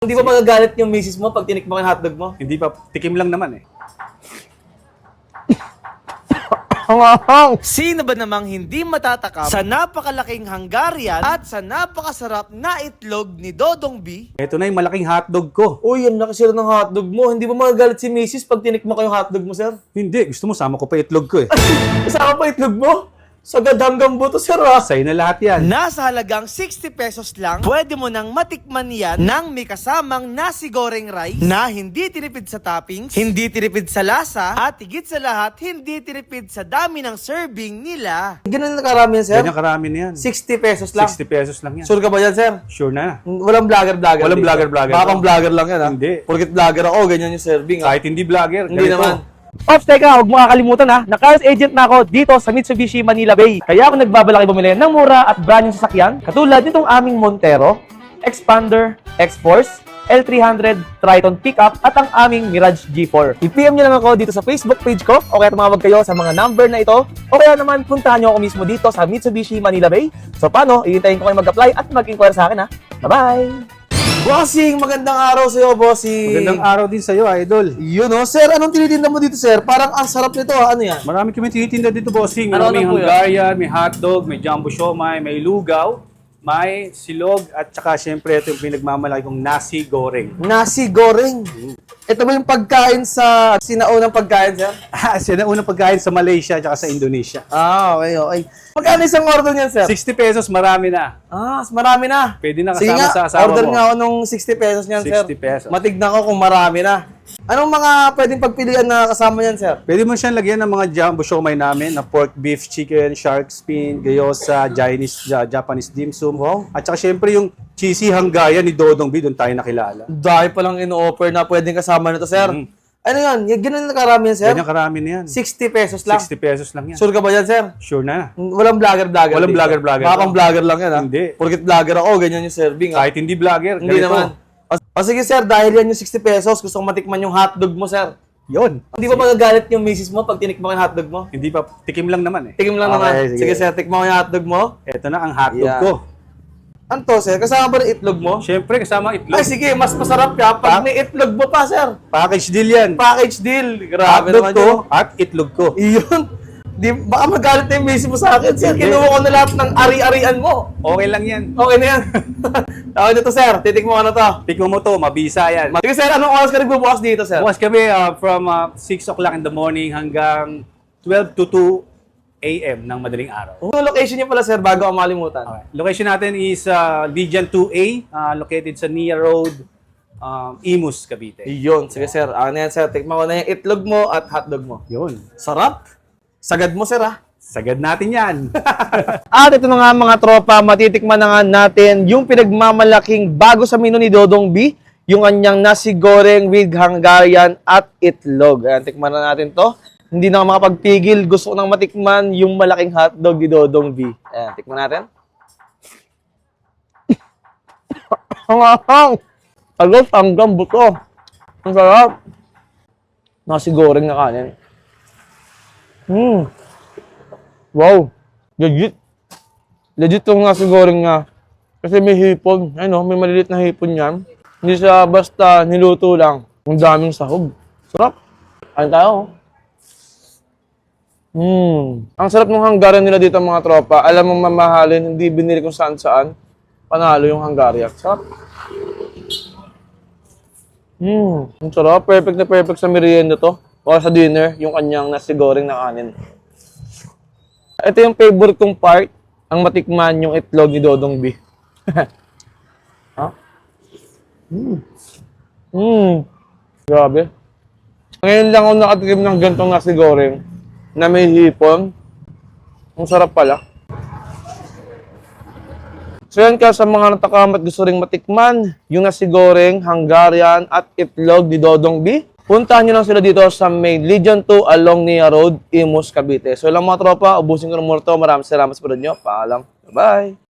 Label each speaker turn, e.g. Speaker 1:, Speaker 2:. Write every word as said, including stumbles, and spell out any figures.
Speaker 1: Hindi ba magagalit yung misis mo pag tinikman ko yung hotdog mo?
Speaker 2: Hindi pa, tikim lang naman eh.
Speaker 3: Sino ba namang hindi matatakam sa napakalaking Hungarian at sa napakasarap na itlog ni Dodong B?
Speaker 2: Ito na yung malaking hotdog ko.
Speaker 1: Uy, ang laki sila ng hotdog mo. Hindi ba magagalit si misis pag tinikman ko yung hotdog mo, sir?
Speaker 2: Hindi, gusto mo sama ko pa itlog ko eh.
Speaker 1: Isama pa itlog mo? Sagad hanggang buto, sir, ah.
Speaker 2: Sa'yo na lahat yan.
Speaker 3: Nasa halagang sixty pesos lang, pwede mo nang matikman yan ng may kasamang nasi goreng rice na hindi tinipid sa toppings, hindi tinipid sa lasa, at higit sa lahat, hindi tinipid sa dami ng serving nila.
Speaker 1: Ganun na karami yan, sir?
Speaker 2: Ganyan karami na yan.
Speaker 1: sixty pesos lang.
Speaker 2: sixty pesos lang yan.
Speaker 1: Sure ka ba yan, sir?
Speaker 2: Sure na.
Speaker 1: Walang vlogger-vlogger.
Speaker 2: Walang
Speaker 1: dito.
Speaker 2: vlogger-vlogger.
Speaker 1: Baka pang vlogger lang yan, ha?
Speaker 2: Hindi.
Speaker 1: Porkit vlogger ako, ganyan yung serving, ha?
Speaker 2: Kahit hindi vlogger,
Speaker 1: Hindi
Speaker 2: ganito.
Speaker 1: naman.
Speaker 4: Ops, teka, huwag mo kakalimutan ha, na cars agent na ako dito sa Mitsubishi Manila Bay. Kaya ako nagbabalaki bumili ng mura at brand yung sasakyan, katulad nitong aming Montero, Expander, X-Force, L three hundred, Triton Pickup at ang aming Mirage G four. I-P M nyo lang ako dito sa Facebook page ko o kaya tumawag kayo sa mga number na ito o kaya naman puntahan nyo ako mismo dito sa Mitsubishi Manila Bay. So paano, iintayin ko kayo mag-apply at mag-inquire sa akin ha. Bye-bye!
Speaker 1: Bossing, magandang araw sa'yo, bossing.
Speaker 2: Magandang araw din sa'yo, idol.
Speaker 1: Yun, oh. Sir, anong tinitinda mo dito, sir? Parang ang sarap nito, ah. Ano yan?
Speaker 2: Marami kami tinitinda dito, bossing.
Speaker 1: Ano
Speaker 2: May
Speaker 1: na po yan?
Speaker 2: Hungarian, may hotdog, may jumbo siomai, may lugaw, may silog, at saka syempre ito yung pinagmamalaki kong nasi goreng.
Speaker 1: Nasi goreng. Ito ba yung pagkain sa sinaunang pagkain, sir?
Speaker 2: Ah, siya na unang pagkain sa Malaysia at saka sa Indonesia.
Speaker 1: Ah, okay, okay. Magkano isang order niyan, sir?
Speaker 2: sixty pesos, marami na.
Speaker 1: Ah, marami na.
Speaker 2: Pwede na
Speaker 1: Sige
Speaker 2: kasama
Speaker 1: nga,
Speaker 2: sa asawa
Speaker 1: order
Speaker 2: mo.
Speaker 1: nga ako nung sixty pesos niyan, sir.
Speaker 2: sixty pesos.
Speaker 1: Matignan ko kung marami na. Anong mga pwedeng pagpilian na kasama niyan, sir?
Speaker 2: Pwede mo siyang lagyan ng mga jumbo siomai namin na pork, beef, chicken, shark fin, gyoza, Chinese, ja- Japanese dim sum.
Speaker 1: Wow.
Speaker 2: At saka syempre yung cheesy Hungarian ni Dodong B, doon tayo nakilala.
Speaker 1: Dahil palang in-offer na pwedeng kasama nito, sir.
Speaker 2: Mhm.
Speaker 1: Ano yan? Y- Ganun na karami yan, sir?
Speaker 2: Ganyan karami na yan.
Speaker 1: sixty pesos lang.
Speaker 2: sixty pesos lang yan.
Speaker 1: Sure ka ba yan, sir?
Speaker 2: Sure na.
Speaker 1: Walang vlogger-vlogger.
Speaker 2: Walang
Speaker 1: dito.
Speaker 2: vlogger-vlogger.
Speaker 1: Baka pang vlogger lang yan, ha?
Speaker 2: Hindi.
Speaker 1: Porkit vlogger ako, ganyan yung serving, ha?
Speaker 2: Kahit hindi vlogger,
Speaker 1: Hindi
Speaker 2: ganito.
Speaker 1: naman. O, o sige, sir, dahil yan yung sixty pesos, gusto kong matikman yung hotdog mo, sir.
Speaker 2: Yun.
Speaker 1: Hindi ba magagalit yung misis mo pag tinikman ko yung hotdog mo?
Speaker 2: Hindi pa, tikim lang naman eh.
Speaker 1: Tikim lang
Speaker 2: Okay,
Speaker 1: naman.
Speaker 2: sige.
Speaker 1: Sige, sir, tikman ko yung hotdog mo.
Speaker 2: Ito na ang hotdog
Speaker 1: Yeah.
Speaker 2: ko.
Speaker 1: Ano to, sir? Kasama ba ng itlog mo?
Speaker 2: Syempre, kasama itlog.
Speaker 1: Ay, sige, mas masarap ka pag may itlog mo pa, sir.
Speaker 2: Package deal yan.
Speaker 1: Package deal. Grabe
Speaker 2: Hotdog
Speaker 1: naman
Speaker 2: ko
Speaker 1: yun.
Speaker 2: at itlog ko.
Speaker 1: Iyon. Di, baka magalit na yung misis mo sa akin, sir.
Speaker 2: Hindi.
Speaker 1: Kinuha ko na lahat ng ari-arian mo.
Speaker 2: Okay lang yan.
Speaker 1: Okay na yan. Tawag nito, sir. Titikmo ko na to.
Speaker 2: Tikmo mo to, mabisa yan.
Speaker 1: Sige, sir, anong oras ka nagbubukas dito, sir?
Speaker 2: Bukas kami uh, from uh, six o'clock in the morning hanggang twelve to two a m ng madaling araw.
Speaker 1: Yung location niyo pala, sir, bago ako malimutan.
Speaker 2: Okay. Location natin is uh, Legion two A, uh, located sa Nia Road, um, Imus, Cavite.
Speaker 1: Iyon. Sige, sir. Ano yan, sir? Tikman ko na yung itlog mo at hotdog mo.
Speaker 2: Yun.
Speaker 1: Sarap. Sagad mo, sir, ah.
Speaker 2: Sagad natin yan.
Speaker 4: At ito na nga mga tropa, matitikman na nga natin yung pinagmamalaking bago sa menu ni Dodong B, yung kanyang nasi goreng with Hungarian at itlog. Ayan, tikman na natin to. Hindi na ako makapagpigil, gusto ko nang matikman yung malaking hotdog ni Dodong B. Ayan, tikman natin. Hangang! Agos hanggang buto. Ang sarap. Nasi goreng na kanin. Hmm. Wow. Legit. Legit yung nasi goreng nga. Kasi may hipon. Ano, may maliliit na hipon yan. Hindi siya basta niluto lang. Ang daming sahog. Sarap. Kain tayo. Hmm. Ang sarap ng Hungarian nila dito mga tropa. Alam mong mamahalin, hindi binili kung saan saan. Panalo yung Hungarian. Sarap. Hmm. Ang sarap. Perfect na perfect sa merienda to. O sa dinner, yung kanyang nasi goreng na kanin. Ito yung favorite kong part, ang matikman yung itlog ni Dodong B. Ha? Hmm. Hmm. Grabe. Ngayon lang ako nakatikim ng gantong nasi goreng na may hipon. Ang sarap pala. So yan ka sa mga natakamat gusto ring matikman, yung nasi goreng, Hungarian at itlog ni Dodong B. Puntahan nyo lang sila dito sa may Legion two along Nia Road, Imus, Cavite. So lang mga tropa, ubusin ko ng muna to. Maraming salamat sa panood nyo. Paalam. Bye-bye!